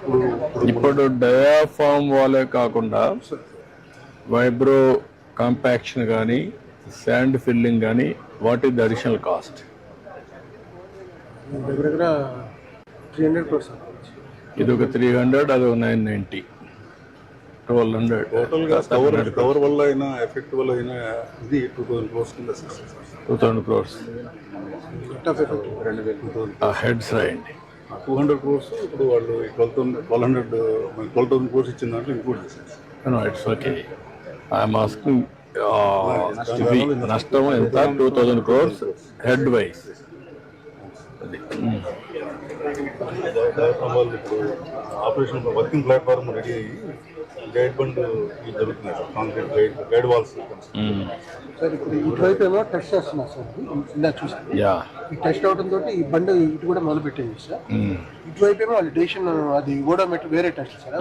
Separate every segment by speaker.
Speaker 1: ఇప్పుడు డయాఫామ్ వాలే కాకుండా వైబ్రో కాంపాక్షన్ కానీ శాండ్ ఫిల్లింగ్ కానీ what is the additional cost?
Speaker 2: దగ్గర 300 crores.
Speaker 1: ఇది ఒక 300, అది ఒక 990, 1200.
Speaker 3: టోటల్ గా కవర్ వల్ల అయినా ఎఫెక్ట్ వల్ల అయినా ఇది 2000 crores కింద
Speaker 1: 2000 crores
Speaker 3: ఎఫెక్ట్
Speaker 1: హెడ్స్ రాయండి.
Speaker 3: 200 crores ఇప్పుడు వాళ్ళు 12,000 crores ఇచ్చిన దాంట్లో ఇంక్లూడ్ చేశారు.
Speaker 1: No, it's okay. I'm asking నష్టం ఎంత? 2000 crores హెడ్ వైజ్.
Speaker 3: వాళ్ళు ఇప్పుడు ఆపరేషన్ వర్కింగ్ ప్లాట్ఫామ్ రెడీ అయ్యి గైడ్ బండ్ జరుగుతున్నాయి sir, concrete guide walls.
Speaker 2: Sir ఇప్పుడు ఇటువైపు ఏమో టెస్ట్ చేస్తున్నారు సార్, ఇలా చూసాను. ఈ టెస్ట్ అవడం తోటి ఈ బండి ఇటు కూడా మొదలు పెట్టింది సార్. ఇటువైపు ఏమో వాళ్ళు డేషన్ అది ఓడోమీటర్ వేరే టెస్ట్ సార్.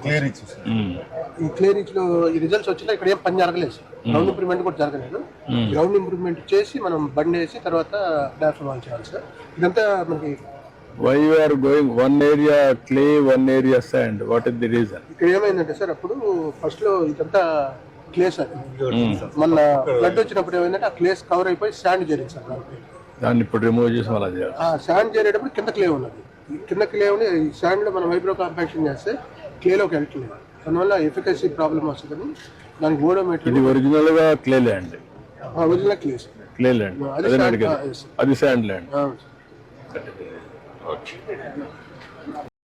Speaker 2: ఈ క్లియరెన్స్ లో ఈ రిజల్ట్స్ వచ్చినా ఇక్కడ ఏం పని జరగలేదు సార్. గ్రౌండ్ ఇంప్రూవ్మెంట్ కూడా జరగలేదు. గ్రౌండ్ ఇంప్రూవ్మెంట్ చేసి మనం బండి వేసి తర్వాత డాఫర్ వాల్ చేయాలి సార్. ఇదంతా మనకి
Speaker 1: why you are going one area clay, one area sand? What is the reason?
Speaker 2: ఇక్కడ ఏమైందంటే సార్, అప్పుడు ఫస్ట్ లో ఇదంతా క్లే సార్. మన ఫ్లడ్ వచ్చినప్పుడు ఏమైందంటే ఆ క్లేస్ కవర్ అయిపోయి శాండ్ చేరింది సార్.
Speaker 1: దాన్ని ఇప్పుడు రిమూవ్ చేసి అలా చేయాలి.
Speaker 2: ఆ శాండ్ చేరేటప్పుడు కింద క్లే ఉన్నది. కింద క్లే ఉండి ఈ శాండ్ లో మనం వైబ్రో కాంపాక్షన్ చేస్తే క్లేలోకి వెళ్తలేదు. దానివల్ల ఎఫికసీ ప్రాబ్లం వస్తుందని దానికి ఓడోమీటర్.
Speaker 1: ఇది ఒరిజినల్ గా clay land.
Speaker 2: Original clay
Speaker 1: land, అది శాండ్ ల్యాండ్. Okay.